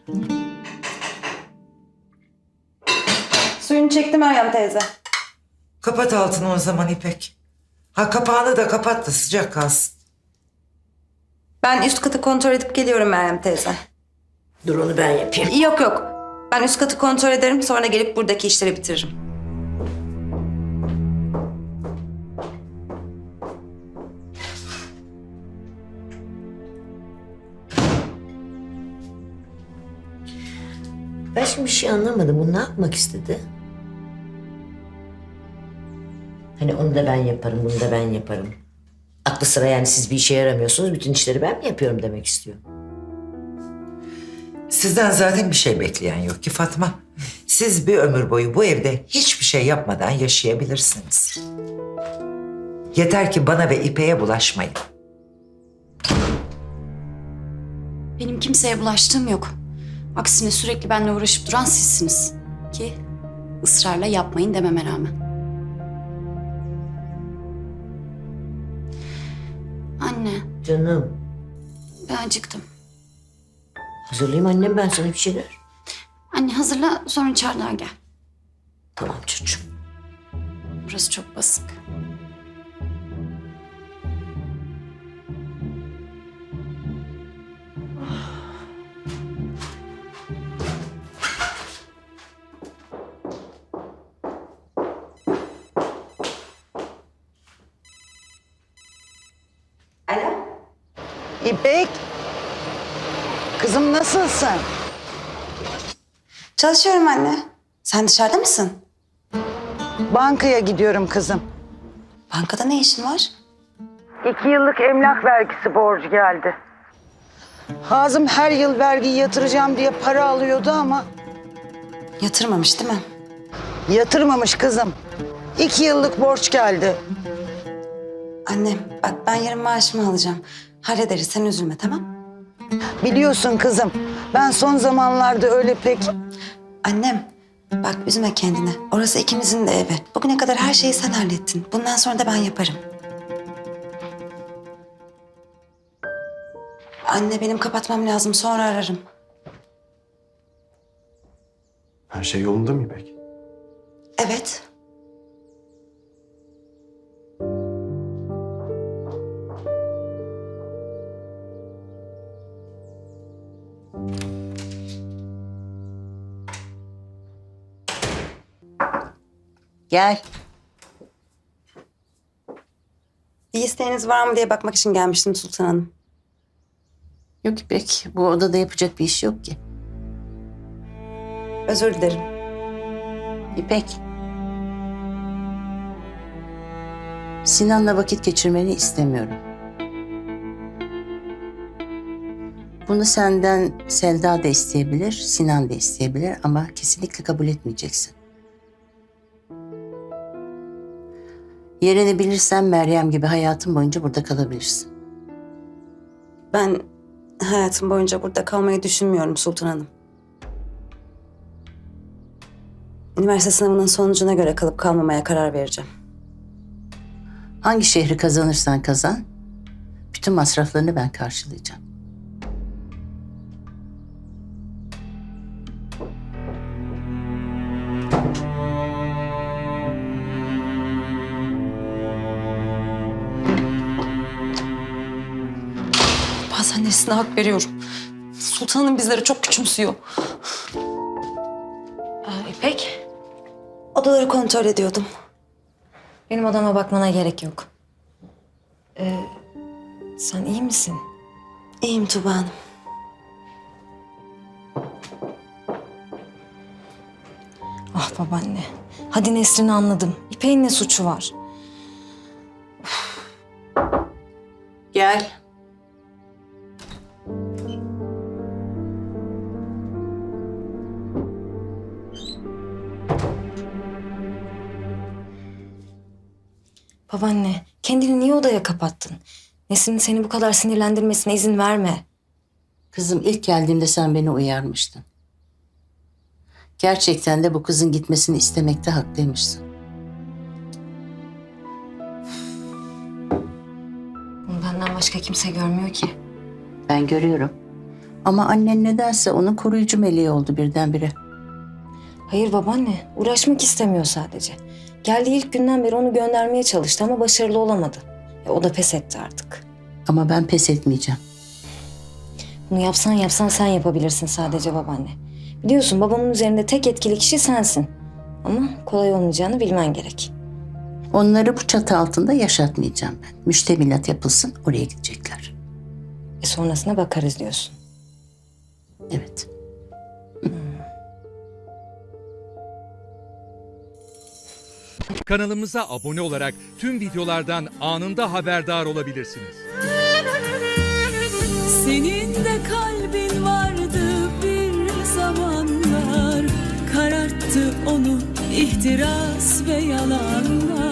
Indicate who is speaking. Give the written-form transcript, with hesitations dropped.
Speaker 1: Suyunu çekti Meryem teyze.
Speaker 2: Kapat altını o zaman İpek. Ha, kapağını da kapat da sıcak kalsın.
Speaker 1: Ben üst katı kontrol edip geliyorum Meryem teyze.
Speaker 3: Dur onu ben yapayım.
Speaker 1: Yok yok. Ben üst katı kontrol ederim, sonra gelip buradaki işleri bitiririm.
Speaker 3: Ben şimdi bir şey anlamadım. Bu ne yapmak istedi? Hani onu da ben yaparım, bunu da ben yaparım. Aklı sıra yani siz bir işe yaramıyorsunuz. Bütün işleri ben mi yapıyorum demek istiyor.
Speaker 2: Sizden zaten bir şey bekleyen yok ki Fatma. Siz bir ömür boyu bu evde hiçbir şey yapmadan yaşayabilirsiniz. Yeter ki bana ve İpek'e bulaşmayın.
Speaker 4: Benim kimseye bulaştığım yok. Aksine sürekli benimle uğraşıp duran sizsiniz. Ki ısrarla yapmayın dememe rağmen. Anne,
Speaker 3: Canım,
Speaker 4: ben acıktım.
Speaker 3: hazırlayayım annem ben sana bir şeyler.
Speaker 4: Anne hazırla, sonra çardağa gel.
Speaker 3: Tamam çocuğum.
Speaker 4: Burası çok basık.
Speaker 1: Alo?
Speaker 5: İpek, kızım nasılsın?
Speaker 1: Çalışıyorum anne. Sen dışarıda mısın?
Speaker 5: Bankaya gidiyorum kızım.
Speaker 1: Bankada ne işin var?
Speaker 5: 2 yıllık emlak vergisi borcu geldi. Hazım her yıl vergiyi yatıracağım diye para alıyordu ama
Speaker 1: Yatırmamış değil mi?
Speaker 5: yatırmamış kızım. 2 yıllık borç geldi.
Speaker 1: Annem bak, ben yarın maaşımı alacağım. Hallederiz, sen üzülme, tamam?
Speaker 5: Biliyorsun kızım, ben son zamanlarda öyle pek...
Speaker 1: Annem bak, üzme kendini. Orası ikimizin de evi. Bugüne kadar her şeyi sen hallettin. Bundan sonra da ben yaparım. Anne, benim kapatmam lazım. Sonra ararım.
Speaker 6: Her şey yolunda mı İpek?
Speaker 1: Evet.
Speaker 3: Gel.
Speaker 1: Bir isteğiniz var mı diye bakmak için gelmiştim Sultan Hanım.
Speaker 3: Yok İpek, bu odada yapacak bir iş yok ki.
Speaker 1: Özür dilerim.
Speaker 3: İpek. Sinan'la vakit geçirmeni istemiyorum. Bunu senden Selda da isteyebilir, Sinan da isteyebilir ama kesinlikle kabul etmeyeceksin. Yerini bilirsen Meryem gibi hayatın boyunca burada kalabilirsin.
Speaker 1: Ben hayatım boyunca burada kalmayı düşünmüyorum Sultan Hanım. Üniversite sınavının sonucuna göre kalıp kalmamaya karar vereceğim.
Speaker 3: Hangi şehri kazanırsan kazan, bütün masraflarını ben karşılayacağım.
Speaker 1: Bazen Nesrin'e hak veriyorum. Sultan Hanım bizleri çok küçümsüyor.
Speaker 7: İpek,
Speaker 1: Odaları kontrol ediyordum.
Speaker 7: benim odama bakmana gerek yok. Sen iyi misin?
Speaker 1: İyiyim Tuba Hanım.
Speaker 7: Ah babaanne. Hadi Nesrin'i anladım. İpek'in ne suçu var?
Speaker 3: Gel.
Speaker 7: Babaanne, kendini niye odaya kapattın? Nesrin'in seni bu kadar sinirlendirmesine izin verme.
Speaker 3: Kızım ilk geldiğimde sen beni uyarmıştın. Gerçekten de bu kızın gitmesini istemekte haklıymışsın.
Speaker 7: Bunu benden başka kimse görmüyor ki.
Speaker 3: Ben görüyorum.
Speaker 8: Ama annen nedense onun koruyucu meleği oldu birdenbire.
Speaker 7: Hayır babaanne, uğraşmak istemiyor sadece. Geldiği ilk günden beri onu göndermeye çalıştı ama başarılı olamadı. O da pes etti artık.
Speaker 8: Ama ben pes etmeyeceğim.
Speaker 7: Bunu yapsan sen yapabilirsin sadece babaanne. Biliyorsun babamın üzerinde tek etkili kişi sensin. Ama kolay olmayacağını bilmen gerek.
Speaker 8: Onları bu çatı altında yaşatmayacağım ben. Müştemilat yapılsın, oraya gidecekler.
Speaker 7: Sonrasına bakarız diyorsun.
Speaker 8: Evet.
Speaker 9: Kanalımıza abone olarak tüm videolardan anında haberdar olabilirsiniz.
Speaker 10: Senin de kalbin vardı bir zamanlar, kararttı onu ihtiras ve yalanlar.